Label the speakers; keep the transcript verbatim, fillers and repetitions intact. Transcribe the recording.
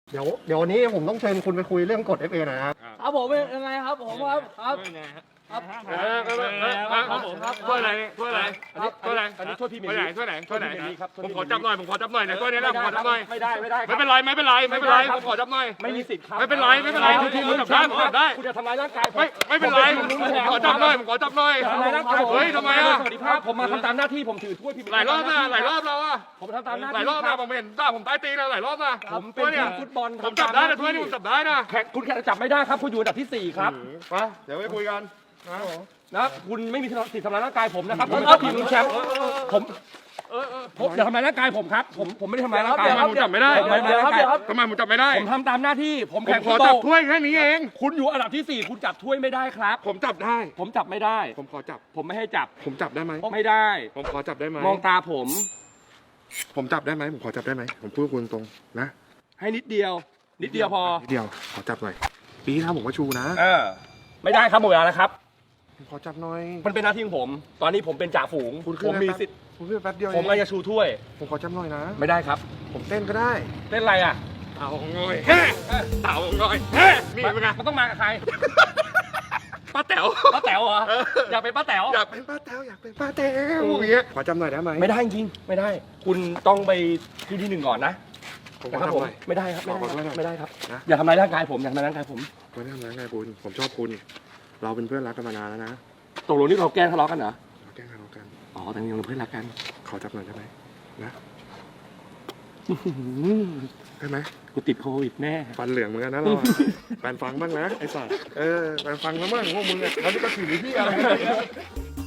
Speaker 1: เดี๋ยวเดี๋ยววันนี้ผมต้องเชิญคุณไปคุยเรื่องกฎ เอฟ เอ หน่อยนะครับ
Speaker 2: ครับผมเป็นยังไงครับผมครับครับครับ
Speaker 3: เออเออเออเออครับผมถ้วยอะไรถ้วยอะไรถ้วยอะไร
Speaker 4: อันนี้ถ้วยพรีเมีย
Speaker 3: ถ้วย
Speaker 4: ร์
Speaker 3: ไหน
Speaker 4: ลีก
Speaker 3: ถ้วยไหนถ้วยไหน
Speaker 4: ถ้วยพรีเมียร์ลีกครับ
Speaker 3: ผมขอจับหน่อยผมขอจับหน่อยนะถ้วยนี้นะผมขอจับหน่อย
Speaker 4: ไม่ได้ไม่ได้
Speaker 3: ไม่เป็นไรไม่เป็นไรไม่เป็นไรผมขอจับหน่อย
Speaker 4: ไม่มีสิทธิ์ครับ
Speaker 3: ไม่เป็นไรไม่เป็นไรผมจับได้ผมจับได้
Speaker 4: คุณจะทำร้ายร่างกายผม
Speaker 3: ไม่ไม่เป็นไรผมขอจับหน่อยผมขอจับหน่อย
Speaker 4: ทำร้ายร่างกาย
Speaker 3: เฮ้ยทำไมอ่ะ
Speaker 4: สวัสดีครับผมมาทำตามหน้าที่ผมถือถ้วยพรีเมียร์
Speaker 3: หลายรอบนะหลายรอบแล้วอ่ะ
Speaker 4: ผมทำตามหน้า
Speaker 3: หลาย
Speaker 4: ที่
Speaker 3: รอบนะผมเห็นตาผมใต้ตีนแล้วหลายรอบนะ
Speaker 4: ผมเป็น
Speaker 3: ถ้วย
Speaker 4: ที
Speaker 3: เนี่ย
Speaker 4: มฟุตบอล
Speaker 3: ผมจับได้นะถ้วยนี้ผมจับได้นะ
Speaker 4: แขกคุณแค่จับไม่ได้ครับคุณอยู่อันดับที่สี่ครับ
Speaker 3: มาเดี๋ยวไปคุยกันนะ
Speaker 4: นะคุณไม่มีสิทธิ์ทำร้ายร่างกายผมนะครับผมเป็นทีมลุ้นแชมป์ผมผมอย่าทำร้ายร่างกายผมครับผมผมไม่ได้ทำร้ายร่างกาย
Speaker 3: ทำไมผมจับไม่ได้
Speaker 4: ผมไม่ได้ทำร้ายร่างกาย
Speaker 3: ทำไมผมจับไม่ได้
Speaker 4: ผมทำตามหน้าที่ผม
Speaker 3: ผม
Speaker 4: แข่ง
Speaker 3: ข
Speaker 4: ฟุ
Speaker 3: อ
Speaker 4: ตบ
Speaker 3: จั
Speaker 4: อบ ล
Speaker 3: ถ้วยแค่นี้เอง
Speaker 4: คุณอยู่อันดับที่สี่คุณจับถ้วยไม่ได้ครับ
Speaker 3: ผมจับได้
Speaker 4: ผมจับไม่ได้
Speaker 3: ผมขอจับ
Speaker 4: ผมไม่ให้จับ
Speaker 3: ผมจับได้ไหม
Speaker 4: ไม่ได้
Speaker 3: ผมขอจับได้ไหม
Speaker 4: มองตาผม
Speaker 3: ผมจับได้ไหมผมขอจับได้ไหมผมพูดกับคุณตรงนะ
Speaker 4: ให้นิดเดียว นิดเดียวพอ
Speaker 3: นิดเดียวขอจับหน่อยปีที่แล้วผมก็ชูนะ
Speaker 4: เออไม่ได้ครับหมดเวลาแล้วครับ
Speaker 3: ผมขอจับหน่อย
Speaker 4: มันเป็นหน้าที่ของผม ตอนนี้ผมเป็นจ่าฝูง
Speaker 3: คุณขึ้
Speaker 4: ผ
Speaker 3: น
Speaker 4: ม
Speaker 3: มา
Speaker 4: มี
Speaker 3: แป๊บ
Speaker 4: สิทธิ์
Speaker 3: ผมขึ้นมาแป๊บเดียว
Speaker 4: ผมก็จะชูถ้วย
Speaker 3: ผมขอจับหน่อยนะ
Speaker 4: ไม่ได้ครับ
Speaker 3: ผมเต้นก็ได้
Speaker 4: เล่นอะไรอ่ะ
Speaker 3: เต่าง่อยเฮ้เต่าง่อยเฮ้นี่เป็นไง
Speaker 4: มันต้องมากับใคร
Speaker 3: ป้าแต๋ว
Speaker 4: ป้าแต๋วเหรออยากเป็นป้าแต๋ว
Speaker 3: อยากเป็นป้าแต๋วอยากเป็นป้าแต๋วอย่างเงี้ยขอจับหน่อยได้ไหม
Speaker 4: ไม่ได้จริงไม่ได้ คุณต้องไปที่ที่หนึ่งก่อนนะ
Speaker 3: ผมข
Speaker 4: นะ
Speaker 3: อ
Speaker 4: ครับ
Speaker 3: จับ
Speaker 4: ผม
Speaker 3: หน่อย
Speaker 4: ไม่ได้ครับไม่ได้
Speaker 3: ขอขอ
Speaker 4: ค
Speaker 3: หน่
Speaker 4: รับ
Speaker 3: อย
Speaker 4: ไม่ได้ครับ
Speaker 3: นะ
Speaker 4: อย่าทำร้ายร่างกายผมอย่าทำร้ายร่างกายผม
Speaker 3: ไม่ได้ทำร้ายไงคุณผมชอบคุณ เราเป็นเพื่อนรักกันมานานแล้วนะ
Speaker 4: ตกลงนี่เราแกล้งทะเลาะกันเหรอ
Speaker 3: เราแกล้งกันเรากัน
Speaker 4: อ๋อแต่ยังเป็นเพื่อนรักกัน
Speaker 3: ขอจับหน่อยได้ไหมนะได้ไหม
Speaker 4: กูติดโควิดแน่
Speaker 3: ฟันเหลืองเหมือนกันนะเราอะแฟนฟังบ้างนะไอ้สัสเออแฟนฟังแล้วบ้างพวกมึงอะแล้วนี่ก็ถือที่อะไร